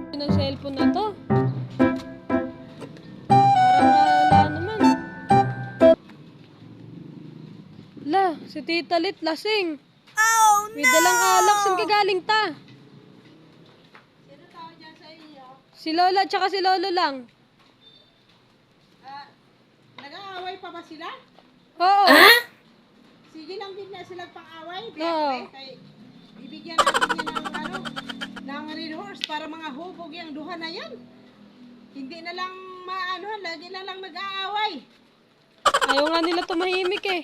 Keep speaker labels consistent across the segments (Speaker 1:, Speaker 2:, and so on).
Speaker 1: Ng cellphone na to. Parang wala naman. La, si Tita Lit lasing.
Speaker 2: Oh,
Speaker 1: May dalang alak. Saan ka galing ta?
Speaker 2: Sino tao dyan sa inyo?
Speaker 1: Si Lola tsaka si Lolo lang.
Speaker 2: Nag-aaway pa ba sila?
Speaker 1: Oo.
Speaker 2: Sige lang din na silang pang-away.
Speaker 1: Oo.
Speaker 2: Bibigyan natin yan ng red horse para mga hubog yung duha na yan. Hindi na lang lagi na lang nag-aaway.
Speaker 1: Ayaw nga nila tumahimik eh.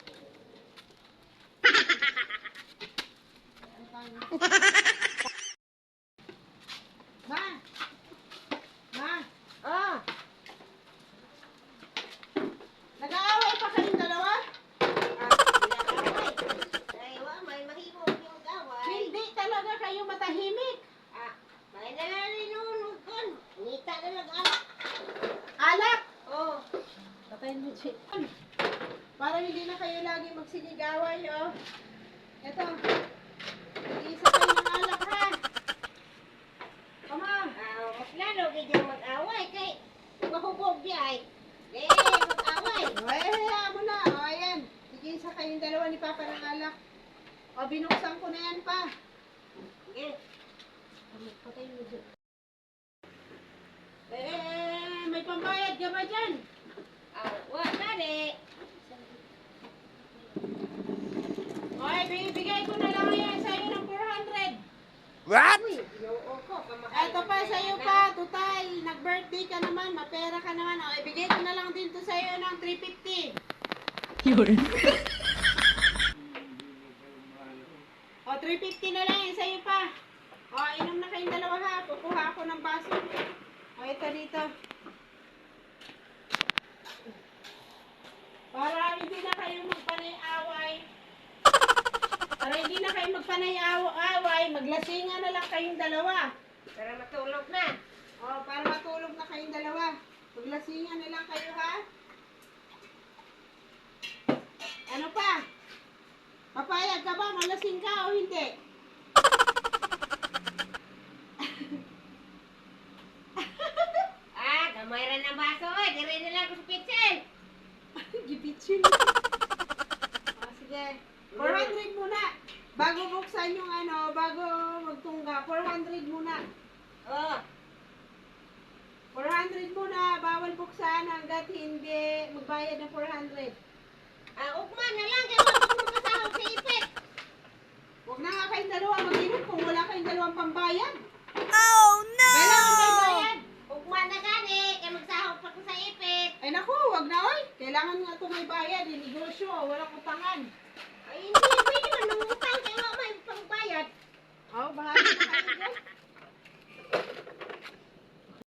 Speaker 2: Ma! Ma! Nag-aaway pa kayong dalawa? Hindi talaga kayo matahimik. Alak! Patayin mo, Chick. Para hindi na kayo lagi magsigigaway, oh. Eto. Mag-iisa kayo ng alak, ha? Come on. Ay, hayaan mo na. O, ayan. Mag-iisa kayong dalawa ni Papa ng alak. O, binuksan ko na yan pa. Patayin mo, Chick. May pambayad ka ba dyan? Okay, bibigay ko na lang yan sa'yo ng 400.
Speaker 3: What?
Speaker 2: Eto pa, sa'yo pa. Total, nag-birthday ka naman, mapera ka naman. O, ibigay ko na lang din to sa'yo ng 350.
Speaker 1: Yun.
Speaker 2: O, 350 na lang yan sa'yo pa. O, inom na kayong dalawa ha. Kukuha ako ng baso. O, ito dito. Para hindi na kayo magpanay-away. Para hindi na kayo magpanay-away, maglasingan na lang kayong dalawa.
Speaker 3: Para matulog na.
Speaker 2: O, para matulog na kayong dalawa. Maglasingan na lang kayo, ha? Ano pa? Papayag ka ba? Malasing ka o hindi?
Speaker 3: Gamay rin ng baso eh. Dire na lang ko sa pitsil.
Speaker 2: Gipitsin. Sige. 400 muna. Bago buksan yung bago magtungga. 400 muna. 400 muna. Bawal buksan hanggat hindi magbayad ng 400.
Speaker 3: Ugma na lang. Kaya wala ko makasahog sa ipit.
Speaker 2: Huwag na nga kayong dalawa mag-inom kung wala kayong dalawang pambayad.
Speaker 1: Oh no!
Speaker 2: Kailangan may bayad.
Speaker 3: Ugma na gani. Kaya magsahog pa ko sa ipit.
Speaker 2: Ay naku, wag na oy. Kailangan nga ito may bayad. Negosyo, walang utangan.
Speaker 3: Ay, hindi. Pwede man nangutang. Kaya wala may pangbayad.
Speaker 2: Oh, bahala na kayo dyan.